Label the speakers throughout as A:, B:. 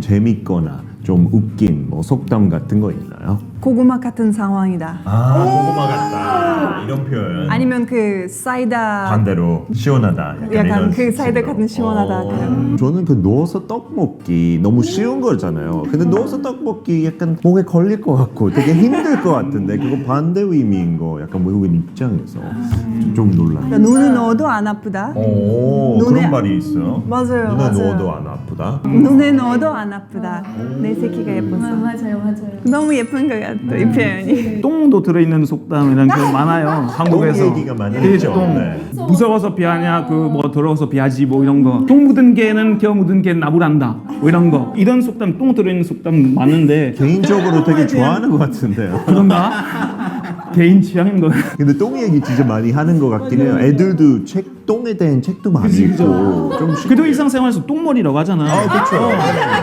A: 재밌거나 좀 웃긴 뭐 속담 같은 거 있나요?
B: 고구마 같은 상황이다.
A: 고구마 같다 이런 표현.
B: 아니면 그 사이다
A: 반대로 시원하다.
B: 약간
A: 이런
B: 그 사이다
A: 식으로.
B: 같은 시원하다. 그런.
A: 저는 그 누워서 떡 먹기 너무 쉬운 거잖아요. 근데 누워서 떡 먹기 약간 목에 걸릴 것 같고 되게 힘들 것 같은데 그거 반대 의미인 거 약간 외국인 입장에서 좀 놀랐어요.
B: 그러니까 눈을 넣어도 안 아프다.
A: 오,
B: 눈에-
A: 그런 말이 있어요.
B: 맞아요,
A: 눈에
B: 맞아요.
A: 넣어도 안 아프다.
B: 눈에 넣어도 안 아프다. 내 새끼가 예뻐서.
C: 맞아요.
B: 너무 예쁜 것 같아 이 표현이.
D: 똥도 들어있는 속담이란 게 많아요. 한국에서.
A: 똥 얘기가 많이
D: 그
A: 있죠.
D: 똥.
A: 네.
D: 무서워서 비하냐, 그 뭐 더러워서 비하지 뭐 이런 거. 똥 묻은 개는 겨 묻은 개 나무란다. 뭐 이런 거. 이런 속담, 똥 들어있는 속담 많은데
A: 개인적으로 되게 좋아하는 것 같은데요.
D: 그런가? 개인 취향인 거예요.
A: 근데 똥 얘기 진짜 많이 하는 것 같긴 해요. 애들도 똥에 대한 책도 많이
D: 그치,
A: 읽고 좀
D: 그래도 일상생활에서 똥머리라고 하잖아.
A: 그렇죠.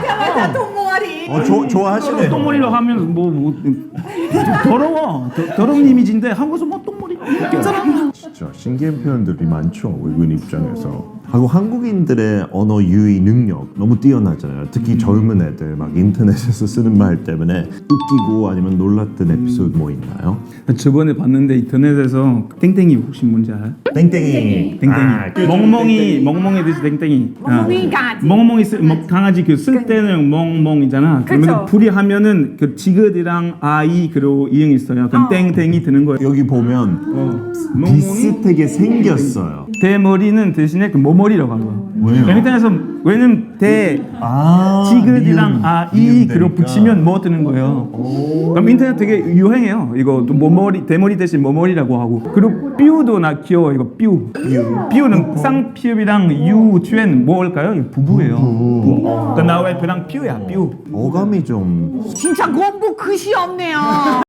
A: 좋아하시네.
D: 똥머리라고 하면 뭐 더러워. 더러운 이미지인데 한국에서 뭐 똥머리 괜찮아.
A: 진짜 신기한 표현들이 많죠. 외국인 입장에서. 하고 한국인들의 언어 유희 능력 너무 뛰어나잖아요. 특히 젊은 애들 막 인터넷에서 쓰는 말 때문에 웃기고 아니면 놀랐던 에피소드 뭐 있나요?
D: 저번에 봤는데 인터넷에서 땡땡이 혹시 뭔지 알아요?
A: 땡땡이.
D: 땡땡이. 멍멍이 듯이 땡땡이.
C: 멍멍이 강아지.
D: 멍멍이 강아지 그 쓸 때는 멍멍이잖아. 그러면
B: 그쵸.
D: 불이 하면은 그 지긋이랑 아이 그리고 이응 있어요. 그럼 땡땡이 드는 거예요.
A: 여기 보면 비슷하게 생겼어요.
D: 대머리는 대신에 그 모머리라고 한 거야.
A: 왜요?
D: 인터넷에서 왜냐면 대 지긋이랑 아이 그리고 붙이면 뭐 뜨는 거예요. 그럼 인터넷 되게 유행해요. 이거 또 모머리 대머리 대신 모머리라고 하고 그리고 삐우도 나 귀여워 이거 삐우. 삐우는 쌍피읍이랑 유 뒤엔 뭘까요? 이거 부부예요. 부부. 그러니까 나 와이프랑 삐우야 삐우.
A: 어감이 좀
C: 진짜 공부 끝이 없네요.